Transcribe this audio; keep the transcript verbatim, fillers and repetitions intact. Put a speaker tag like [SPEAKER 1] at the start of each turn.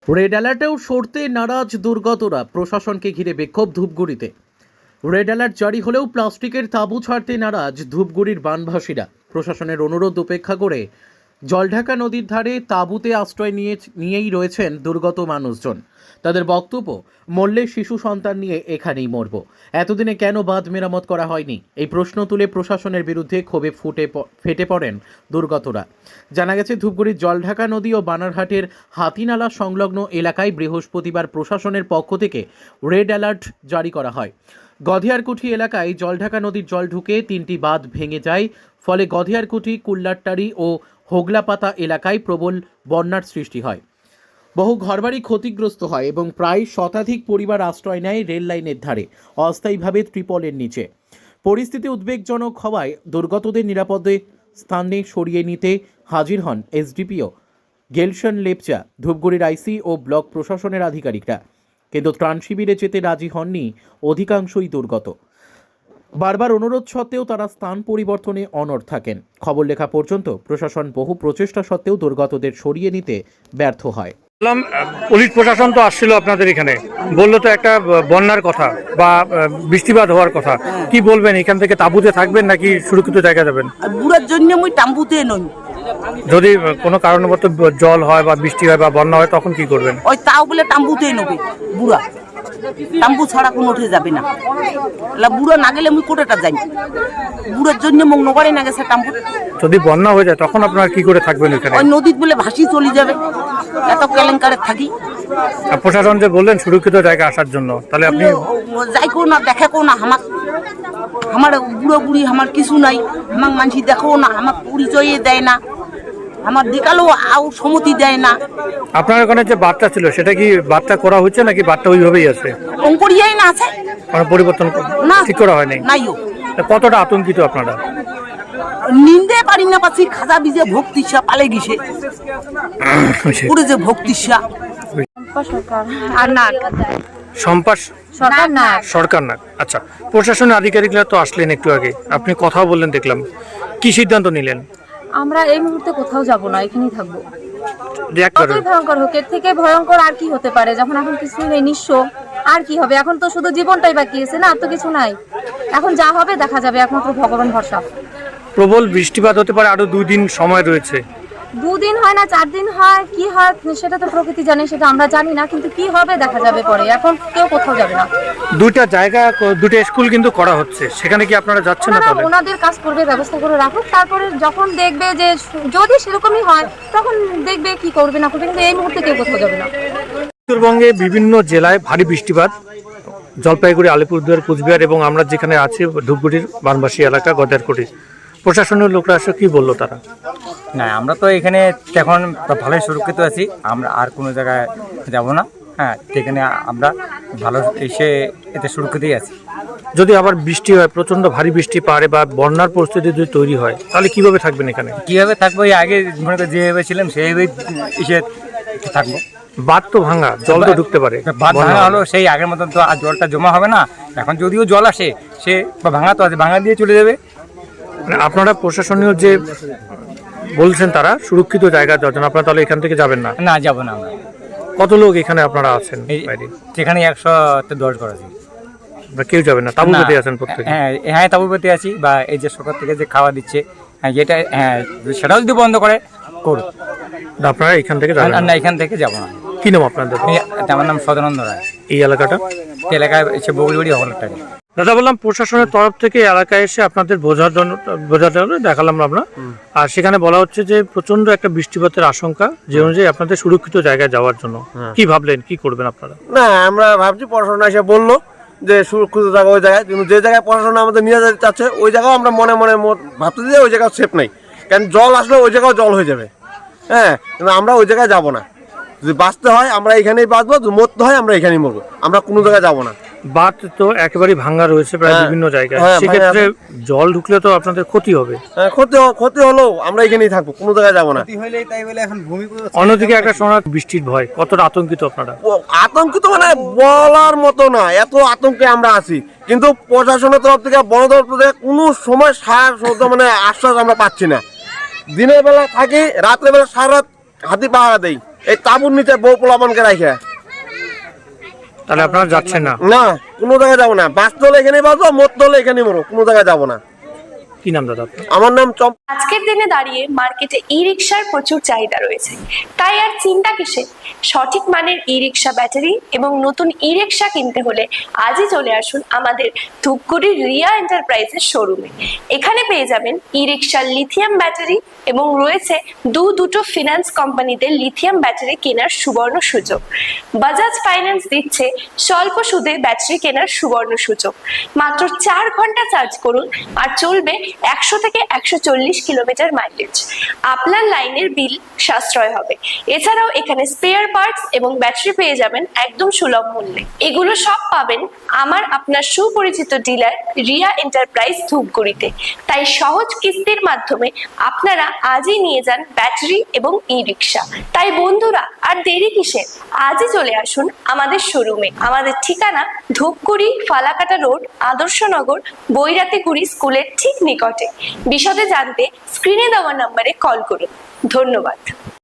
[SPEAKER 1] Red অ্যালার্টেও সরতে নারাজ দুর্গতরা, প্রশাসনকে ঘিরে বিক্ষোভ ধূপগুড়িতে। রেড অ্যালার্ট জারি হলেও প্লাস্টিকের তাঁবু ছাড়তে নারাজ ধূপগুড়ির বানভাসীরা। প্রশাসনের অনুরোধ উপেক্ষা করে জলঢাকা নদীর ধারে তাঁবুতে আশ্রয় নিয়ে নিয়েই রয়েছেন দুর্গত মানুষজন। তাদের বক্তব্য, মরলে শিশু সন্তান নিয়ে এখানেই মরব, এতদিনে কেন বাঁধ মেরামত করা হয়নি? এই প্রশ্ন তুলে প্রশাসনের বিরুদ্ধে ক্ষোভে ফুটে ফেটে পড়েন দুর্গতরা। জানা গেছে, ধূপগুড়ির জলঢাকা নদী ও বানারহাটের হাতিনালা সংলগ্ন এলাকায় বৃহস্পতিবার প্রশাসনের পক্ষ থেকে রেড অ্যালার্ট জারি করা হয়। গধিয়ারকুঠি এলাকায় জলঢাকা নদীর জল ঢুকে তিনটি বাঁধ ভেঙে যায়, ফলে গধিয়ারকুঠি, কুল্লারটারি ও হোগলাপাতা এলাকায় প্রবল বন্যার সৃষ্টি হয়। বহু ঘরবাড়ি ক্ষতিগ্রস্ত হয় এবং প্রায় শতাধিক পরিবার আশ্রয় নেয় রেল লাইনের ধারে অস্থায়ীভাবে ত্রিপলের নিচে। পরিস্থিতি উদ্বেগজনক হওয়ায় দুর্গতদের নিরাপদে স্থানে সরিয়ে নিতে হাজির হন এসডিপিও গেলশন লেপচা, ধূপগুড়ির আইসি ও ব্লক প্রশাসনের আধিকারিকরা। কিন্তু ত্রাণ শিবিরে যেতে রাজি হননি অধিকাংশই দুর্গত। বারবার অনুরোধ সত্ত্বেও তারা স্থান পরিবর্তনে অনড় থাকেন। খবর লেখা পর্যন্ত প্রশাসন বহু প্রচেষ্টা সত্ত্বেও দুর্গতদের সরিয়ে নিতে ব্যর্থ হয়।
[SPEAKER 2] পুলিশ প্রশাসন তো আসছিল আপনাদের এখানে, বললো তো একটা বন্যার কথা বা বৃষ্টিপাত হওয়ার কথা। কি বলবেন, এখান থেকে তাঁবুতে থাকবেন নাকি সুরক্ষিত জায়গা যাবেন?
[SPEAKER 3] বুড়ার জন্য মুই তাঁবুতে নই।
[SPEAKER 2] যদি কোনো কারণবশত জল হয় বা বৃষ্টি হয় বা বন্যা হয় তখন কি করবেন?
[SPEAKER 3] ওই তাও বলে তাঁবুতেই নেবে বুড়া, তাঁবু ছাড়া কোনো উঠে যাবে না। বুড়ো না গেলে মুই কোটাটা যাই, বুড়োর জন্য মুখ নগরে না গেছে তাঁবু।
[SPEAKER 2] যদি বন্যা হয়ে যায় তখন আপনারা কি করে থাকবেন এখানে?
[SPEAKER 3] ওই নদীত বলে ভাসি চলে যাবে, এত কেলেঙ্কারে থাকি।
[SPEAKER 2] প্রশাসন যে বললেন সুরক্ষিত জায়গা আসার জন্য, তাহলে আপনি
[SPEAKER 3] যাই কো না, দেখে কো না, আমার আমার বুড়ো বুড়ি আমার কিছু নাই, আমার মানুষ দেখো না, আমার পরিচয়ে দেয় না, আমার দিকালেও আও সম্মতি দেয় না।
[SPEAKER 2] আপনার ওখানে যে বার্তা ছিল সেটা কি বার্তা করা হচ্ছে নাকি বার্তা ওইভাবেই আছে?
[SPEAKER 3] অঙ্করিয়াই না আছে,
[SPEAKER 2] মানে পরিবর্তন
[SPEAKER 3] না
[SPEAKER 2] ঠিক করা হয়নি।
[SPEAKER 3] নাইও।
[SPEAKER 2] কতটা আতঙ্কিত আপনারা?
[SPEAKER 3] নিন্দে পারি না পাচ্ছি, খাজা বিজে ভক্তিসা পালে গেছে পুরো যে ভক্তিসা।
[SPEAKER 2] সরকার না, আচ্ছা। প্রশাসনের আধিকারিকরা তো আসলেন একটু আগে, আপনি কথা বললেন দেখলাম, কি সিদ্ধান্ত নিলেন?
[SPEAKER 4] আমরা এই মুহূর্তে কোথাও যাব না, এখানেই থাকবো।
[SPEAKER 2] কতই
[SPEAKER 4] ভয়ঙ্কর হোক, এর থেকে ভয়ঙ্কর আর কি হতে পারে? যখন এখন কিছুই নেই, নিঃস্ব, আর কি হবে? এখন তো শুধু জীবনটাই বাকি আছে না, আর তো কিছু নাই। এখন যা হবে দেখা যাবে, একমাত্র ভগবান ভরসা।
[SPEAKER 2] প্রবল বৃষ্টিপাত হতে পারে, আরো দুই দিন সময় রয়েছে।
[SPEAKER 4] দুদিন হয় না, চার দিন হয়, কি হয় সেটা তো প্রকৃতি জানে, সেটা আমরা জানি না। কিন্তু কি হবে দেখা যাবে পরে, এখন কেউ কোথাও যাবে না।
[SPEAKER 2] দুইটা জায়গা, দুটো স্কুল কিন্তু করা হচ্ছে, সেখানে কি আপনারা যাচ্ছেন না? তাহলে
[SPEAKER 4] ওনাদের কাজ করবে, ব্যবস্থা করে রাখুক, তারপরে যখন দেখবে যে যদি সেরকমই হয় তখন দেখবে কি করবে না করবে, কিন্তু এই মুহূর্তে কেউ কোথাও যাবে না।
[SPEAKER 2] উত্তরবঙ্গে বিভিন্ন জেলায় ভারী বৃষ্টিপাত, জলপাইগুড়ি, আলিপুরদুয়ার, কুচবিহার এবং আমরা যেখানে আছি ধূপগুড়ির বানবাসী এলাকা গদারকুটি, প্রশাসনের লোকরা এসে কি বললো তারা?
[SPEAKER 5] না, আমরা তো এখানে এখন ভালোই সুরক্ষিত আছি, আমরা আর কোনো জায়গায় যাব না। হ্যাঁ, এখানে আমরা ভালো এসে এতে সুরক্ষিতই আছি।
[SPEAKER 2] যদি আবার বৃষ্টি হয়, প্রচন্ড ভারী বৃষ্টি পারে বা বন্যার পরিস্থিতি যদি তৈরি হয়, তাহলে কিভাবে থাকবেন এখানে?
[SPEAKER 5] কিভাবে থাকবো, এই আগে মনে করি যেভাবে ছিলাম সেইভাবেই এসে থাকবো।
[SPEAKER 2] বাঁধ তো ভাঙা, জল তো ঢুকতে পারে।
[SPEAKER 5] বাঁধ ভাঙা হলো, সেই আগের মতন তো আর জলটা জমা হবে না। এখন যদিও জল আসে, সে ভাঙা তো আছে, ভাঙা দিয়ে চলে যাবে।
[SPEAKER 2] মানে আপনারা প্রশাসনীয় যে বলছেন তারা সুরক্ষিত জায়গা যাওয়ার জন্য, আপনারা তাহলে এখান থেকে যাবেন না?
[SPEAKER 5] না, যাবো না আমরা।
[SPEAKER 2] কত লোক এখানে আপনারা আছেন?
[SPEAKER 5] সেখানে একশো দশ করে আছি।
[SPEAKER 2] কেউ যাবেন না? তাঁবুতে আছেন প্রত্যেকে?
[SPEAKER 5] হ্যাঁ হ্যাঁ, তাঁবুতে আছি। বা এই যে সরকার থেকে যে খাওয়া দিচ্ছে, হ্যাঁ যেটা, হ্যাঁ সেটাও যদি বন্ধ করে করুক।
[SPEAKER 2] আপনারা এখান থেকে যাবেন
[SPEAKER 5] না? এখান থেকে যাবো না।
[SPEAKER 2] কি নাম আপনাদের?
[SPEAKER 5] আমার নাম সদানন্দ রায়।
[SPEAKER 2] এই এলাকাটা
[SPEAKER 5] এলাকায় এসে বগুড়ি হলটারি।
[SPEAKER 2] দাদা, বললাম প্রশাসনের তরফ থেকে এলাকায় এসে আপনাদের বোঝার জন্য বোঝাতে হলে দেখালাম আমরা, আর সেখানে বলা হচ্ছে যে প্রচন্ড একটা বৃষ্টিপাতের আশঙ্কা, যে অনুযায়ী আপনাদের সুরক্ষিত জায়গায় যাওয়ার জন্য কি ভাবলেন, কি করবেন আপনারা?
[SPEAKER 6] না, আমরা ভাবছি প্রশাসন এসে বললো যে সুরক্ষিত জায়গা ওই জায়গায়, কিন্তু যে জায়গায় প্রশাসন আমাদের নিয়ে যেতে চাচ্ছে ওই জায়গাও আমরা মনে মনে ভাবতে যে ওই জায়গা সেফ নেই, কারণ জল আসলে ওই জায়গাও জল হয়ে যাবে। হ্যাঁ, কিন্তু আমরা ওই জায়গায় যাবো না। যদি বাঁচতে হয় আমরা এখানেই বাঁচবো, যদি মরতে হয় আমরা এখানেই মরবো, আমরা কোনো জায়গায় যাবো না।
[SPEAKER 2] বাঁধ তো একেবারে ভাঙা রয়েছে প্রায় বিভিন্ন জায়গায়, সেক্ষেত্রে জল ঢুকলে তো আপনাদের ক্ষতি হবে।
[SPEAKER 6] হ্যাঁ, ক্ষতি ক্ষতি হলেও আমরা এখানেই থাকবো, কোনো জায়গায় যাবো না।
[SPEAKER 2] অন্যদিকে একটা সময় বৃষ্টির ভয়, কতটা আতঙ্কিত আপনারা?
[SPEAKER 6] আতঙ্কিত মানে বলার মতো না, এত আতঙ্কে আমরা আছি। কিন্তু প্রশাসনের তরফ থেকে, বন দপ্তর থেকে কোনো সময় সার মানে আশ্বাস আমরা পাচ্ছি না। দিনের বেলা থাকি, রাত্রে বেলা সারা রাত হাতি পাহারা দেই, এই তাঁবুর নিচে বউ পোলাপানকে রাখে।
[SPEAKER 2] তাহলে আপনারা যাচ্ছেন না?
[SPEAKER 6] না, কোনো জায়গায় যাবো না। বাস দলে এখানে বাজবো, মত দলে এখানে মরো, কোনো জায়গায় যাবো না।
[SPEAKER 2] কি নাম দাদা আপনার?
[SPEAKER 6] আমার নাম চম্প।
[SPEAKER 7] আজকের দিনে দাঁড়িয়ে মার্কেটে ই রিক্সার প্রচুর চাহিদা রয়েছে, তাই আর চিন্তা কিসে? সঠিক মানের ই রিক্সা ব্যাটারি এবং নতুন ই রিক্সা কিনতে হলে আজই চলে আসুন আমাদের ধূপগুড়ির রিয়া এন্টারপ্রাইজের শোরুমে। এখানে পেয়ে যাবেন ই রিক্সার লিথিয়াম ব্যাটারি এবং রয়েছে দু দুটো ফিনান্স কোম্পানিতে লিথিয়াম ব্যাটারি কেনার সুবর্ণ সুযোগ। বাজাজ ফাইন্যান্স দিচ্ছে স্বল্প সুদে ব্যাটারি কেনার সুবর্ণ সুযোগ। মাত্র চার ঘন্টা চার্জ করুন আর চলবে একশো থেকে একশো চল্লিশ কিলোমিটার মাইলেজ। আপনার লাইনের বিল সাশ্রয় হবে। এছাড়াও এখানে স্পেয়ার পার্টস এবং ব্যাটারি পেয়ে যাবেন একদম সুলভ মূল্যে। এগুলো সব পাবেন আমার আপনার সুপরিচিত ডিলার রিয়া এন্টারপ্রাইজ ধূপগুড়িতে। তাই সহজ কিস্তির মাধ্যমে আপনারা আজই নিয়ে যান ব্যাটারি এবং ই রিক্সা। তাই বন্ধুরা আর দেরি কিসের? আজই চলে আসুন আমাদের শোরুমে। আমাদের ঠিকানা ধূপগুড়ি ফালাকাটা রোড, আদর্শনগর, বৈরাতিগুড়ি স্কুলের ঠিক নিকটে। বিশদে জানতে স্ক্রিনে দেওয়া নম্বরে কল করুন। ধন্যবাদ।